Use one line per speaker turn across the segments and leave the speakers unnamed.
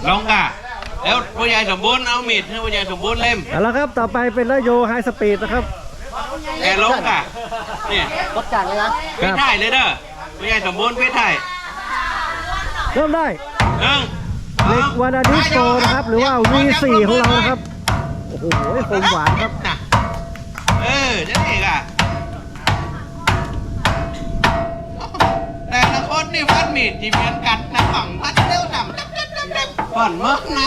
ลงกะแล้วผู้ใหญ่สมบูรณ์เอามีดให้ผู้ใหญ่สมบูรณ์เล่ม
เอาละครับต่อไปเป็นนโยไฮสปีดนะครับ
แกลงกะนี่
รถจักรเลยนะ
พี่ถ่ายเลยเด้อผู้ใหญ่สมบูรณ์พี่ถ่าย
เริ่มได้
หนึ่ง
เล็กวานาดิสโกนะครับหรือว่า V4 ของเรานะครับโอ้โหคมหวานครับ
นะจะนี่กะแต่ละคนนี่ฟันมีดที่เหมือนกันนะฝั่งพัดเร็วทำผ่อนมึกนะ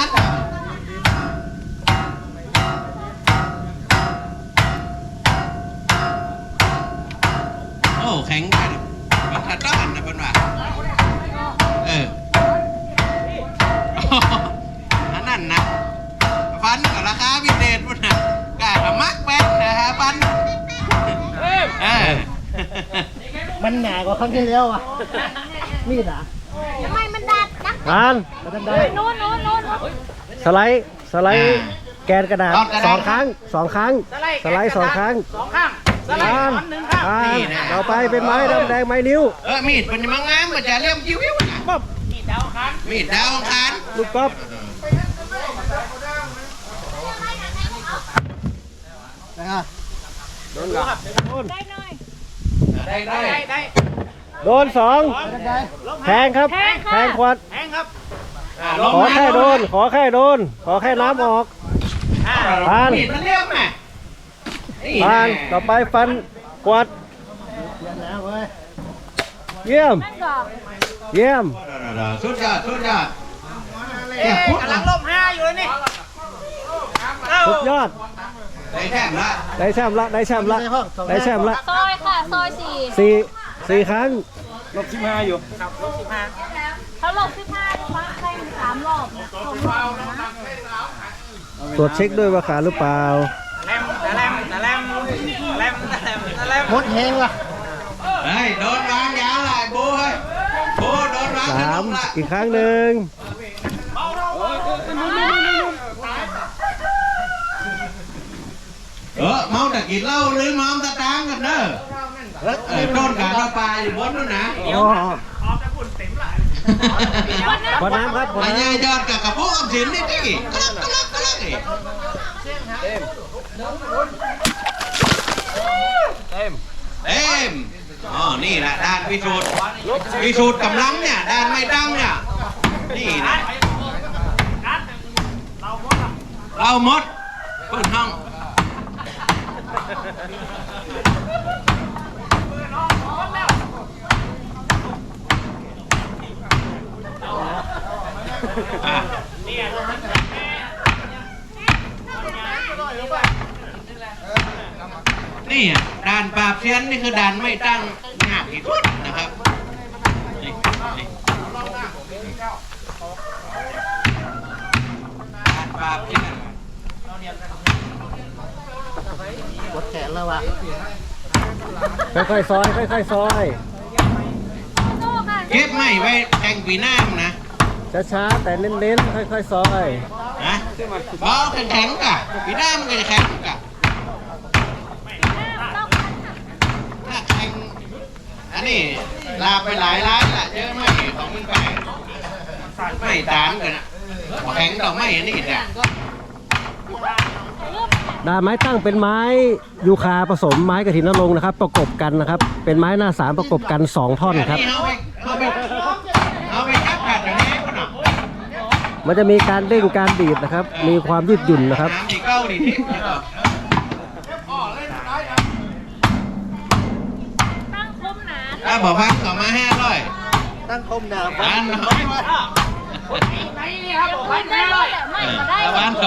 โอ้แข็งกันมันทัดด้านนะเป็นว่านั่นนะฟันกับราคาพิเศษพุ่นนะกาดมักแป้นนะฮะฟัน
มันหนากว่าครั้งที่แล้วอ่ะมีดอ่ะ
ทำไมมันดัดนะ
อ่าน
โน้น
สไลด์แกนกระดาษสองครั้งสองครั้งสไลด์สองครั้งอ่านต่อไปเป็นไม้ดำแดงไม้นิ้ว
มีดมันจะมางามมันจะเลี่ยมจิ้วๆนะ
ปั๊บ
มีดดาวอังคาร
ลูกก๊อฟ
นะโดน
ได้หน่อย
ได้
โดนสองแทงครับแทงขวดขอแค่โดนขอแค่น้ำออกผ่าน
มีดมันเลี่ยมไหม
ผ่านต่อไปฟันขวดเยี่ยม
นั่นก่อน
เยี่ยม
สุดยอด
กำลังลบ5อยู่เลยนี่
สุดยอด
ได้แค่ละ
ได้แชมป์ละได้แชมป์ละได้แชมป์ละ
ซอยค่ะซอย4
สี่ครั้ง
ลบ15อยู่
เขาหลบ15ฟังใคร3 รอบนะ
ตรวจเช็คด้วยว่าขาดหรือเปล่า
หมดแหงว่ะ
เฮ้ยโดนวางยาวเลยบูเฮ้ยบูโดนวาง
สามอีกครั้งหนึ่ง
เมาแต่กินเหล้าหรือเมาตะตางกันเด้อโดนขาตะปลาอยู่บนนู้นนะ
ขอน้ำครับขอ
ไอ้
น้
ยายอดกับกระโปงอมสินนี่ดิกลักนี่เต็มอ๋อนี่แหละด้านพิสูจน์กำลังเนี่ยด้านไม่ตั้งเนี่ยนี่นะเราหมดเปิดห้องนี่ด่านปราบเซียนนี่คือด่านไม่ตั้งหนักที่สุดนะครับด่านปราบเซียน
ปวดแขนแล้วว่ะ
ำค่อยๆซอยค่อยๆซอย
โซ่ค่ะ
เก็บไม่ไว้แทงปีหน้ามึงนะ
ช้าๆแต่เน้นๆค่อยๆซอย
นะบอลแข็งๆกะปีหน้ามันก็จะแข็งกะถ้าแข็งอันนี้ลาไปหลายร้านละเจอไม่ของมึงไปไม่ตามกันนะแข็งต่อไม่อันนี้เนี่ย
ด้านไม้ตั้งเป็นไม้ยูคาผสมไม้กระถินนรงค์นะครับ ประกบกันนะครับ เป็นไม้หน้าสามประกบกัน2ท่อนครับ
เอาไปคัดขัดอย่างนี้ก็หน่อย
มันจะมีการเด้งการดีดนะครับ มีความยืดหยุ่นนะครับ
น้ำดีเก้าดีที่
ตั้งคมหนา
ถ้าบอกพักต่อมา500
ตั้งคมหนา
อันน้อย
ไม่ได้เลยไม่มาได้
ประมาณ200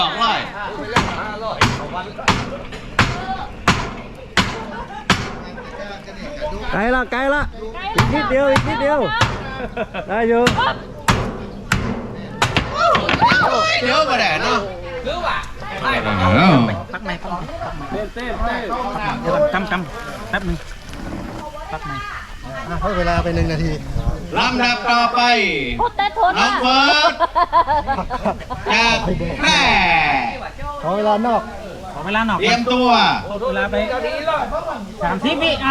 ไกลละอีกนิดเดียวได้อยู่
เยอะกว่าแดดเนาะ
พักไหนเต้นเดี๋ยวจำแป๊บนึงพักไหน
ให้เวลาไป1 นาที
ลำดับต่อไป
พูดแต่ทน
น้องเฟิร์สจากแพร่
ขอเวลานอก
ขอเวลาหน่อย
เตรียมตัว
เวลาไป30 วิ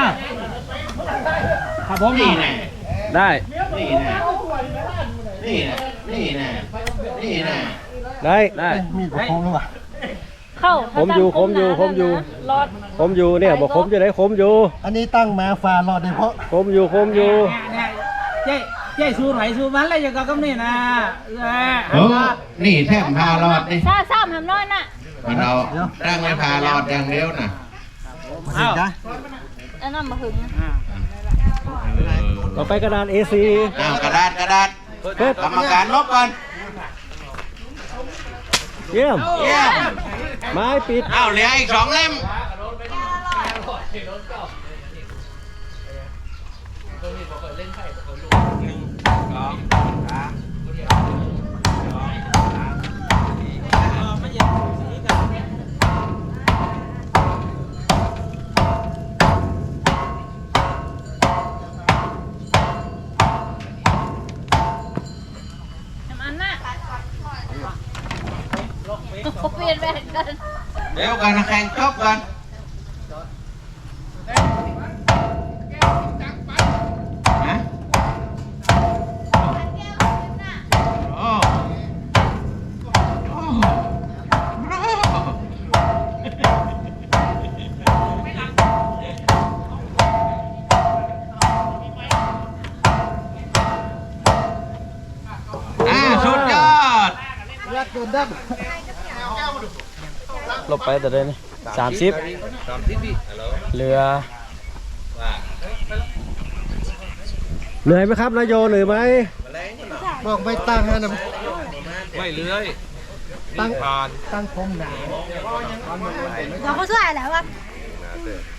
ครับผม
นี่แน่
ได้
นี่แน่นี่แน่นี่นี่แน่นี่แน่
ได้
มีดประคองหรือเปล่า
เข้า
ผมอยู่
รอด
ผมอยู่เนี่ยบอกผมจะได้ผมอยู่
อันนี้ตั้งมาฟ้ารอดได้เพราะ
ผมอยู่
เจ๊สู้ไหนสู้มันอะไรอย่างกับนี่นะ
โอ้นี่แทบพารอดนี่
ซ่าซ่าทำน้อยน่ะ
มันเอาตั้งไว้พารอดอย่างเดียวน่ะ
เห็นจ้ะ
อันนั้นมาหึง
ต่อไปกระดาน A4
อ้าวกระดาษ
เพิ่ม
กรรมการลบก่อน
เยี่ยม
เยี่ยม
ไม้ปิด
อ้าวเหลืออีก2 เล่ม
ทำอันน่ะเปลี่ยนแบ่งกัน
เดี๋ยวกันแข่งจบกันฮะโอ้โอ้สุดยอด
รักโดนดับ
ลบไปแต่เดิน30เหลือเหนื่อยไหมครับนายโยเหนื่อยไหม
บอกไม่ตั้งนะ
ไม่เลื้อย
ตั้งผมหนา
เราก็ช่วยแล้วอ่ะ